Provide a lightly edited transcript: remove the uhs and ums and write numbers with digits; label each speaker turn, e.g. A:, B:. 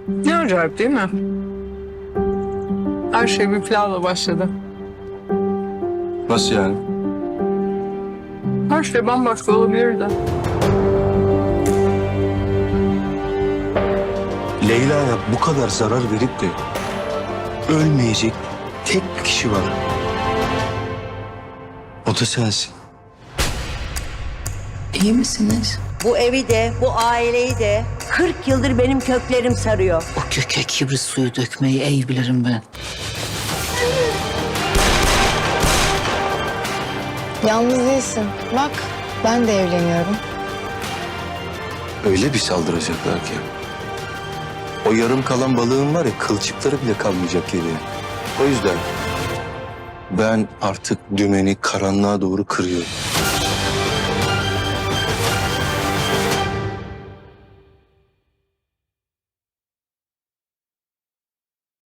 A: Ne acayip değil mi? Her şey bir planla başladı.
B: Nasıl yani?
A: Her şey bambaşka olabilirdi.
B: Leyla'ya bu kadar zarar verip de ölmeyecek tek bir kişi var. O da sensin.
C: İyi misiniz?
D: Bu evi de, bu aileyi de 40 yıldır benim köklerim sarıyor.
C: O köke kibrit suyu dökmeyi iyi bilirim ben.
E: Yalnız değilsin. Bak, ben de evleniyorum.
B: Öyle bir saldıracaklar ki. O yarım kalan balığın var ya, kılçıkları bile kalmayacak geriye. O yüzden ben artık dümeni karanlığa doğru kırıyorum.